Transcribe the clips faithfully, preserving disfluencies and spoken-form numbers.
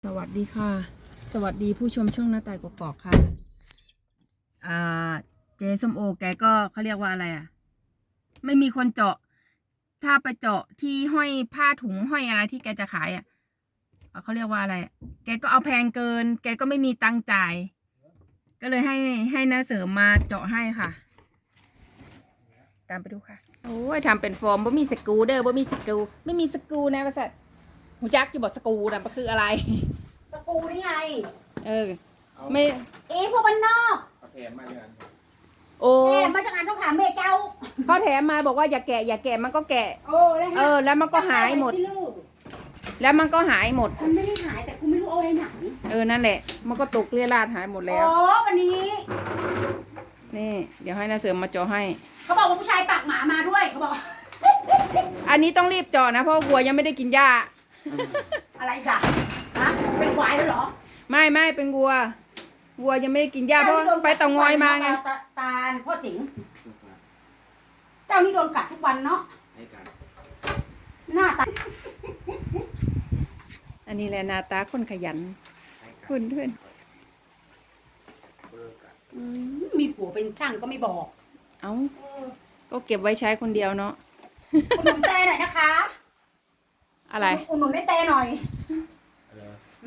สวัสดีค่ะสวัสดีผู้ชมช่องหน้าต่ายกกอกค่ะอ่าเจส้มโอแกก็เขาเรียกว่าอะไรอ่ะไม่มีคนเจาะถ้าไปเจาะที่ห้อยผ้าถุงห้อยอะไรที่แกจะขายอ่ะเขาเรียกว่าอะไรแกก็เอาแพงเกินแกก็ไม่มีตังค์จ่ายก็เลยให้ให้น้าเสริมมาเจาะให้ค่ะตามไปดูค่ะโอ้ยทำเป็นฟอร์มบ่มีสกรูเด้อบ่มีสกรูไม่มีสกรูนะประสัตหูจักอยู่บอกสกรูนะมันคืออะไรสกูนี่ไงเออไม่เอ๊ะพวกบ้านนอกเขาแถมมาอย่างนั้นโอ้แม่มาจากงานต้องถามเมเจ้าเขาแถมมาบอกว่าอย่าแกะอย่าแกะมันก็แกะโอ้แล้วฮะเออแล้วมันก็หายหมด แล้วมันก็หายหมดมันไม่ได้หายแต่กูไม่รู้เอาไว้ไหนเออนั่นแหละ มันก็ตกเรี่ยราดหายหมดแล้วโอ้วันนี้นี่เดี๋ยวให้นาเสริมมาเจาะให้เขาบอกว่าผู้ชายปากหมามาด้วยเขาบอกอันนี้ต้องรีบเจาะนะเพราะวัวยังไม่ได้กินหญ้าอะไรจ้ะฮะเป็นควายแล้วเหรอไม่ไม่เป็นวัววัวยังไม่ได้กินหญ้าเพราะไปเต่างอยมาไงตาตาพ่อจิ๋งเจ้านี่โดนกัดทุกวันเนาะให้กันหน้าตาอันนี้แหละหนาตาคนขยันคุณเพื่อนอืมมีผัวเป็นช่างก็ไม่บอกเอ้าเออก็เก็บไว้ใช้คนเดียวเนาะอุดหนุนแต่หน่อยนะคะอะไรอุดหนุนได้แต่หน่อยอะไร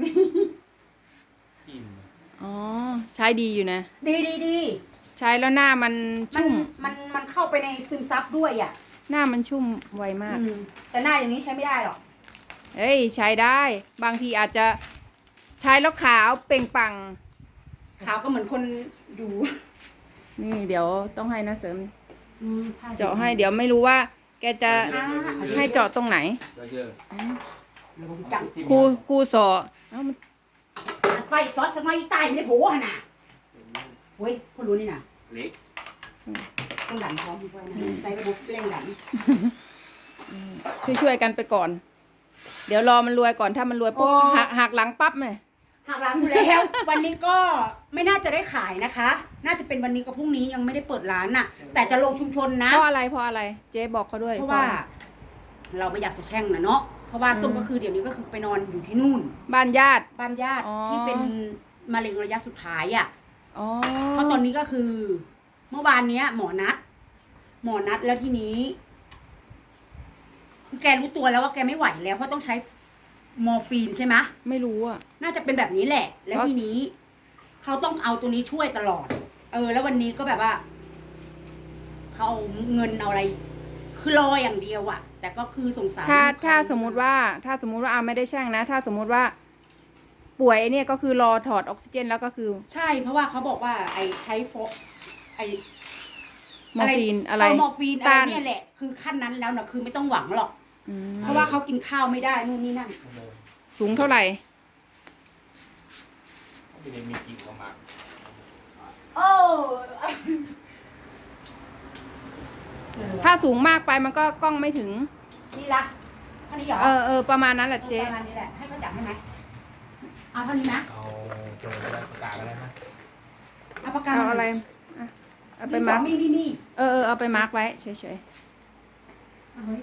อิ่มอ๋อใช้ดีอยู่นะดีดีดีใช้แล้วหน้ามันมันชุ่มมันมันเข้าไปในซึมซับด้วยอ่ะหน้ามันชุ่มไวมากอืมแต่หน้าอย่างนี้ใช้ไม่ได้หรอกเฮ้ยใช้ได้บางทีอาจจะใช้แล้วขาวเปล่งปลังขาวก็เหมือนคนอยู่นี่เดี๋ยวต้องให้นะเสริมอืมผ้เจาะให้เดี๋ยวไม่รู้ว่า แกจะอ่าให้เจาะตรงไหนเยอะเดี๋ยวผมจังครูครูสอเอ้ามันไฟซอสทำไมใต้ไม่ได้โผล่ขนาดเฮ้ยคนรู้นี่นะเล็กต้องดันพร้อมด้วยนะใส่ระบบเร่งดันช่วยช่วยๆกันไปก่อน เดี๋ยวรอมันรวยก่อนถ้ามันรวยปุ๊บหักหักหลังปั๊บเลยหักหลังอยู่แล้ว วันนี้ก็ไม่น่าจะได้ขายนะคะ น่าจะเป็นวันนี้กับพรุ่งนี้ยังไม่ได้เปิดร้านน่ะ แต่จะลงชุมชนนะเพราะอะไรเพราะอะไร เจ๊บอกเขาด้วยเพราะว่า เราไม่อยากจะแช่งนะเนาะเพราะว่าส้มก็คือเดี๋ยวนี้ก็คือไปนอนอยู่ที่นู่นบ้านญาติบ้านญาติอ๋อที่เป็นมะเร็งระยะสุดท้ายอ่ะอ๋อเพราะตอนนี้ก็คือ เมื่อวานเนี้ย หมอนัด หมอนัดแล้วทีนี้คือแกรู้ตัวแล้วว่าแกไม่ไหวแล้วเพราะต้องใช้มอร์ฟีนใช่ไหมไม่รู้อ่ะน่าจะเป็นแบบนี้แหละ แล้วเพราะทีนี้เขาต้องเอาตัวนี้ช่วยตลอด เออ แล้ววันนี้ก็แบบว่าเขาเอาเงินเอาอะไร คือรออย่างเดียวอะแต่ก็คือสงสารถ้าลูกค้ถ้าสมมุติว่า ถ้าสมมุติว่าอาไม่ได้แช่งนะ ถ้าสมมุติว่า ป่วยเนี่ยก็คือรอถอดออกซิเจนแล้วก็คือใช่ เพราะว่าเขาบอกว่า ไอใช้โฟไอมอร์ฟีนอะไรเมอร์ฟีนอะไรต้านเนี่ยแหละ คือขั้นนั้นแล้วนะคือไม่ต้องหวังหรอกอืมเพราะว่าเขากินข้าวไม่ได้นู่นนี่นั่นสูงเท่าไหร่ไม่ได้มีกี่ประมาณโอ้ถ้าสูงมากไปมันก็กล้องไม่ถึงนี่ละเท่านี้เหรอเออเออประมาณนั้นแหละเจ๊ประมาณนี้แหละ ให้เขาจับให้ไหมเอาเท่านี้นะเอาเจออะไรประกาศอะไรนะเอาปากกาเอาอะไรอ่ะเอาไปดินสมาอร์กนี่นี่นี่เออเออเอาไปมาร์กไว้เฉยเอาไว้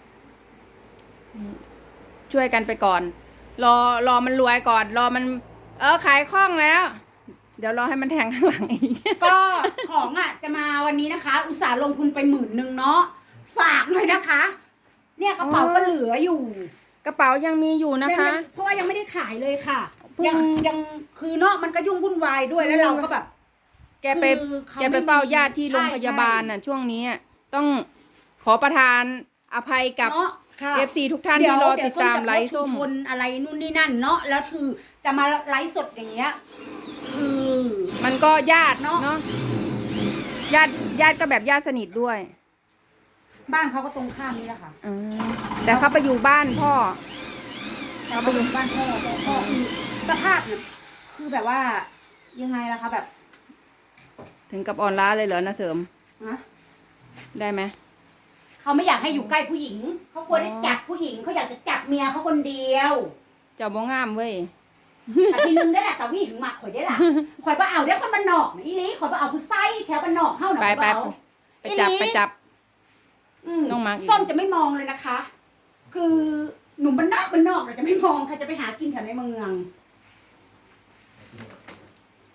ๆช่วยกันไปก่อน รอรอมันรวยก่อน รอมัน เออขายคล่องแล้ว เดี๋ยวรอให้มันแทงข้างหลังอีกก็ของอ่ะจะมาวันนี้นะคะ อุตส่าห์ลงทุนไปหมื่นหนึ่งเนาะฝากหน่อยนะคะ เนี่ยกระเป๋าก็เหลืออยู่กระเป๋ายังมีอยู่นะคะเพราะว่ายังไม่ได้ขายเลยค่ะเพิ่งยังยังคือเนาะมันก็ยุ่งวุ่นวายด้วยแล้วเราก็แบบแกไปคือเขาแกไปเฝ้าญาติที่โรงพยาบาลน่ะ ช่วงนี้อ่ะต้องขอประทานอภัยกับเนาะค่ะเอฟซีทุกท่านที่รอติดตามไลฟ์ส้มชนอะไรนู่นนี่นั่นเนาะแล้วคือจะมาไลฟ์สดอย่างเงี้ยคือมันก็ญาติเนอะเนาะญาติญาติก็แบบญาติสนิทด้วยบ้านเขาก็ตรงข้ามนี่แหละค่ะอืมแต่เขาไปอยู่บ้านพ่อเราไปอยู่บ้านพ่อพ่อพ่อคือสภาพเนี่ยคือแบบว่ายังไงล่ะคะแบบถึงกับอ่อนล้าเลยเหรอนะเสริมนะได้ไหมเขาไม่อยากให้อยู่ใกล้ผู้หญิงเขากลัวได้อ๋อจับผู้หญิงเขาอยากจะจับเมียเขาคนเดียวเจ้าบ่งามเว้ยแต่ทีนึงได้แหละแต่วี่ถึงหมักข่อยได้ล่ะข่อยว่าเอาได้คนบ้านนอกนะอีหลีข่อยว่าเอาผู้ไส้แถวบ้านนอกเข้าหน่อยไปไปเบาไปจับไปจับอืมต้องมาอีกส้มจะไม่มองเลยนะคะ คือหนุ่มบ้านนอกบ้านนอกเราจะไม่มองค่ะจะไปหากินแถวในเมือง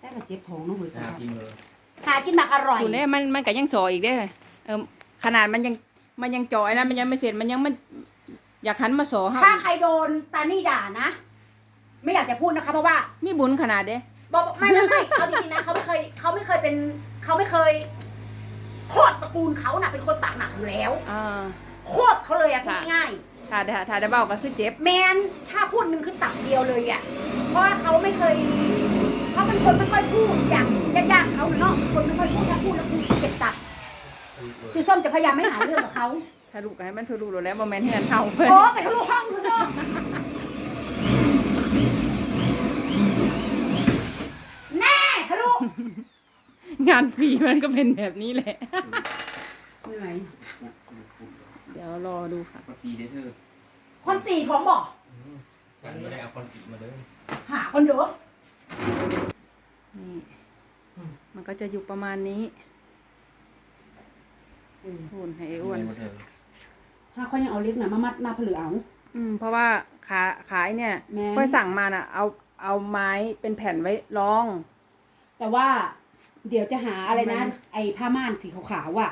แต่ก็เจ็บท้องเนาะเว้ยหากินเลยหากินหมักอร่อยคุณเนี่ยมันมันก็ยังสออีกได้อเออขนาดมันยังมันยังจ่อยนะมันยังไม่เสร็จมันยังมันอยากหันมาสอให้ถ้าใครโดนตานี่ด่านะ ไม่อยากจะพูดนะคะเพราะว่ามีบุญขนาดเด้บอกไม่ไม่ไม่เอาจริงๆนะเขาไม่เคยเขาไม่เคยเป็นเขาไม่เคยโคตรตระกูลเขาน่ะเป็นคนปากหนักอยู่แล้วอ่าโคตรเขาเลยอะพูดง่ายถ้าถ้าถ้าได้เบาก็คือเจ็บๆแมนถ้าพูดหนึ่งคือตักเดียวเลยอะเพราะว่าเขาไม่เคยเขาเป็นคนไม่ค่อยพูดอย่างญาติๆเขาเนาะคนไม่ค่อยพูดถ้าพูดแล้วคือเจ็บตัดคือส้มจะพยายามไม่หาเรื่องกับเขาทะลุก็ให้มันทะลุแล้วโมเมนต์เฮือนเฮาเพิ่นโอ้ไปทะลุห้องคุณเนาะแน่ทะลุงานฟรีมันก็เป็นแบบนี้แหละเหนื่อยเดี๋ยวรอดูค่ะปกีได้เธอคนตีของบอกฉันไม่ได้เอาคนกีมาเลยหาคนเด้อนี่มันก็จะอยู่ประมาณนี้หุ่นให้ไอ้อ้วนเธอถ้าเขายังเอาเล็กน่ะมามัดมาผลือเอาอืมเพราะว่าขาขายเนี่ยแม่นค่อยสั่งมาน่ะ เอาเอาไม้เป็นแผ่นไว้รองแต่ว่า เดี๋ยวจะหาอะไรนะมันไอ้ผ้าม่านสีขาวๆอ่ะ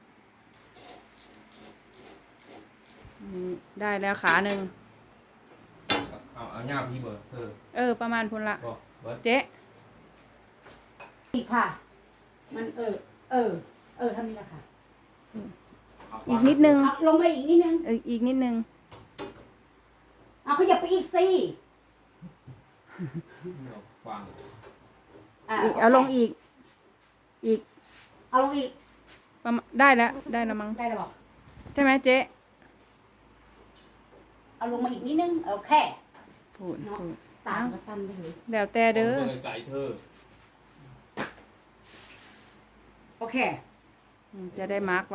นี่ได้แล้วขาหนึ่งเอาเอาเงาพี่เบอร์เธอเออ ประมาณพุนละบอกเบิร์ดเจ๊อีกค่ะ มันเออ เออ เออเท่านี้แหละค่ะอีกนิดนึงเอาลงไปอีกนิดนึงเอออีกนิดนึงเอาขยับไปอีกสิวางะอีกเอาลงอีก อีกเอาลงอีกประมาณได้แล้วได้แล้วมั้งได้แล้วบอกใช่ไหมเจ๊เอาลงมาอีกนิดนึงโอเคพูดพูดตามก็สั้นไปเลยแล้วแต่เด้อไก่เธอโอเคอืมจะได้มาร์กไว้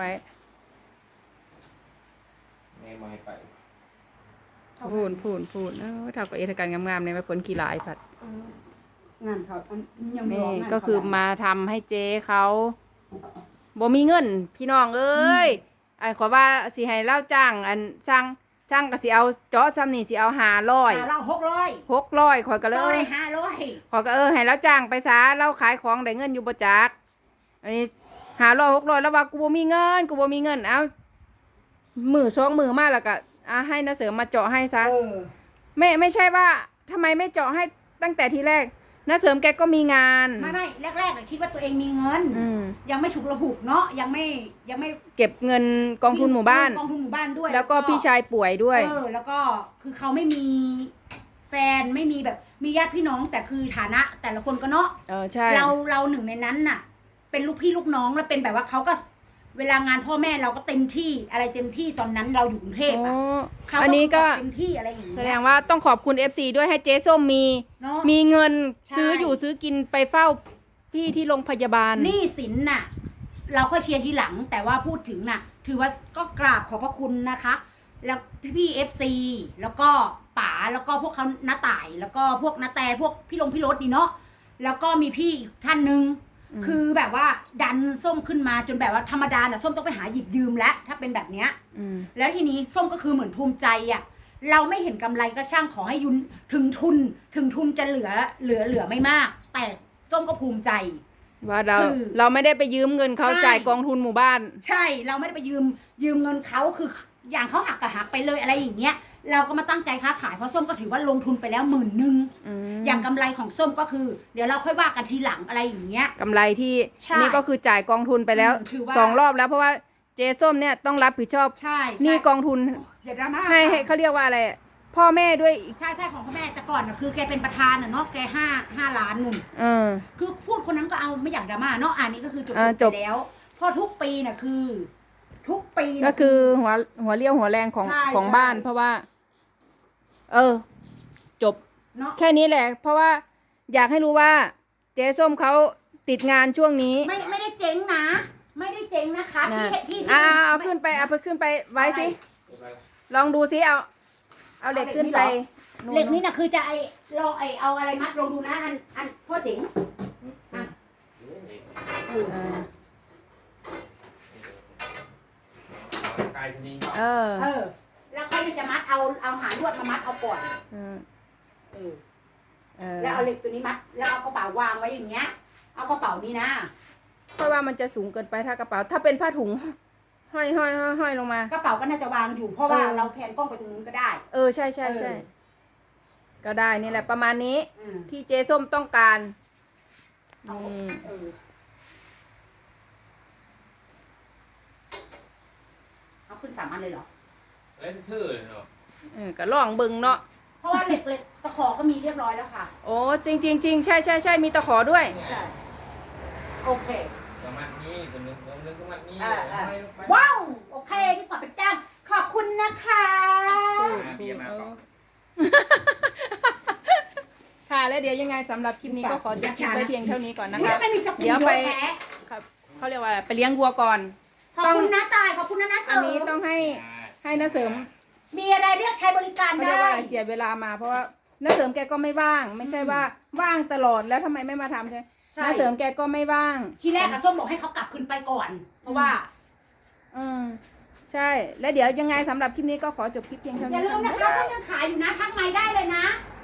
แม่มาให้ไปพูดพูดพูดเออถ้ากับเอทการงามๆในมาผลกีฬาไอ้ผัดเอองานเขาอันยังไม่นี่รองานก็คือเขมาทำให้เจ๊เขาบ่มีเงิน พี่น้องเอ้ยไอ้ขอว่าสิให้เล่าจ้าง อันช่างช่างก็สิเอาเจาะซ้ำนี่สิเอาหาร้อยอ่าเราหกร้อยหกร้อยข่อยก็เลเราได้ยห้าร้อยขอยก็เออให้แล้วจ้างไปซะเราขายของได้เงินอยู่ประจักอันนี้หาร้อยหกร้อยแล้วว่ากูบ่มีเงินกูบ่มีเงินเอามือสองมือมาแล้วก็อ่ะให้นาเสริมมาเจาะให้ซะเออไม่ไม่ใช่ว่าทำไมไม่เจาะให้ตั้งแต่ทีแรกนาเสริมแกก็มีงานไม่ไม่แรกๆน่ะคิดว่าตัวเองมีเงินอืมยังไม่ฉุกระหุกเนาะยังไม่ยังไม่เก็บเงินกองทุนหมู่บ้านกองทุนหมู่บ้านด้วยแล้วก็พี่ชายป่วยด้วยเออแล้วก็คือเขาไม่มีแฟนไม่มีแบบมีญาติพี่น้องแต่คือฐานะ แต่ละคนก็เนาะเออใช่เราเราหนึ่งในนั้นน่ะ เป็นลูกพี่ลูกน้องแล้วเป็นแบบว่าเขาก็ เวลางานพ่อแม่เราก็เต็มที่อะไรเต็มที่ตอนนั้นเราอยู่กรุงเทพโอ้อ่ะเขาอันนี้ก็เต็มที่อะไรอย่างเงี้ยแสดงว่าต้องขอบคุณ เอฟ ซี ด้วยให้เจ๊ส้มมีเนาะมีเงินใช่ซื้ออยู่ซื้อกินไปเฝ้าพี่ที่โรงพยาบาลหนี้สินน่ะ เราค่อยเคลียร์ทีหลัง แต่ว่าพูดถึงน่ะ ถือว่าก็กราบขอบพระคุณนะคะ แล้วพี่พี่เอฟซีแล้วก็ป๋าแล้วก็พวกเขาน้าต่าย แล้วก็พวกน้าแต่พวกพี่ลงพี่รถนี่เนาะแล้วก็มีพี่อีกท่านหนึ่งอืมคือแบบว่าดันส้มขึ้นมาจนแบบว่าธรรมดาน่ะส้มต้องไปหาหยิบยืมแล้วถ้าเป็นแบบเนี้ยอืมแล้วทีนี้ส้มก็คือเหมือนภูมิใจอ่ะ เราไม่เห็นกำไรก็ช่างขอให้ยุนถึงทุน ถึงทุนจะเหลือเหลือเหลือไม่มาก แต่ส้มก็ภูมิใจว่าเราคือเราไม่ได้ไปยืมเงินเขาใช่จ่ายกองทุนหมู่บ้านใช่เราไม่ได้ไปยืมยืมเงินเขาคืออย่างเขาหักก็หักไปเลยอะไรอย่างเงี้ย เราก็มาตั้งใจค้าขายเพราะส้มก็ถือว่าลงทุนไปแล้วหมื่นหนึ่งอืมอย่างกำไรของส้มก็คือ เดี๋ยวเราค่อยว่ากันทีหลังอะไรอย่างเงี้ยกำไรที่ใช่อันนี้ก็คือจ่ายกองทุนไปแล้วอืมถือว่าสองรอบแล้วเพราะว่าเจส้มเนี่ยต้องรับผิดชอบใช่ใช่หนี่กองทุนเดี๋ยวดราม่าให้ให้เขาเรียกว่าอะไรพ่อแม่ด้วยอีกใช่ใช่ของพ่อแม่แต่ก่อนน่ะคือแกเป็นประธานน่ะเนาะแกห้าห้าล้านนุ่นเออคือพูดคนนั้นก็เอาไม่อยากดราม่าเนาะอันนี้ก็คือจบอ่าจจบบ ไปแล้วเพราะทุกปีน่ะคือ ทุกปีน่ะก็คือหัวหัวเลี้ยวหัวแรงของใช่ของใช่บ้าน เพราะว่า เออ จบเนาะแค่นี้แหละ เพราะว่าอยากให้รู้ว่า เจ๊ส้มเขาติดงานช่วงนี้ไม่ไม่ได้เจ๊งนะ ไม่ได้เจ๊งนะคะที่นะที่ที่อ่าเอาขึ้นไปเอาไปขึ้นไปไว้สิลองดูสิเอา เอาเหล็กขึ้นไปเหล็กนี่นะคือจะไอลองไอเอาอะไรมัดลองดูนะอันอันพ่อเจ๋งอ่ะเออเออไก่ทีนี้เออเออ แล้วก็จะมัดเอาเอาหางลวดมามัดเอาก่อนเออเออเออแล้วเอาเหล็กตัวนี้มัด แล้วเอากระเป๋าวางไว้อย่างเงี้ย เอากระเป๋านี้นะเพราะว่ามันจะสูงเกินไปถ้ากระเป๋า ถ้าเป็นผ้าถุงห้อยห้อยห้อยห้อยลงมากระเป๋าก็น่าจะวางอยู่ เพราะว่าเออเราแพนกล้องไปตรงนู้นก็ได้เออใช่ใช่ใช่เออก็ได้นี่แหละประมาณนี้อืมที่เจส้มต้องการเอานี่เออเอาขึ้นสามอันเลยเหรอเล่นเธอเลยเนาะเออก็ลองเบิ่งเนาะเพราะว่าเหล็กเหล็กตะขอก็มีเรียบร้อยแล้วค่ะโอ้จริงจริงจริงใช่ใช่ใช่มีตะขอด้วยเนี่ยใช่ โอเคประมาณนี้ตัวนึงตัวนึงประมาณนี้อ่าอ่าไม่ไม่ว้าว โอเคที่ขอเป็นจ้างขอบคุณนะคะพูดอ่าเบียร์มาก่อนค่ะแล้วเดี๋ยวยังไงสำหรับคลิปนี้ก็ขอจบคลิปไว้เพียงเท่านี้ก่อนนะอุ๊ยคะไม่มีสกุลเดี๋ยวไปแท้ครับเขาเรียกว่าอะไรไปเลี้ยงวัวก่อนขอบคุณนะตาย ขอบคุณนะนะเสอัรินนี้มต้องให้ให้น้าเสริมมีอะไรเรียกใช้บริการเขาเรีได้ยกว่าอะไรเจียดเวลามา เพราะว่าน้าเสริมแกก็ไม่ว่าง ไม่ใช่ว่าว่างตลอดแล้วทำไมไม่มาทำใช่ไหมใช่น้าเสริมแกก็ไม่ว่างทีแรกอะส้มบอกให้เขากลับขึ้นไปก่อน เพราะว่าอืมใช่ แล้วเดี๋ยวยังไงสำหรับคลิปนี้ก็ขอจบคลิปเพียงเท่าอนี้ย่าลืมนะคะส้มยังขายอยู่นะ ทักไมค์ได้เลยนะค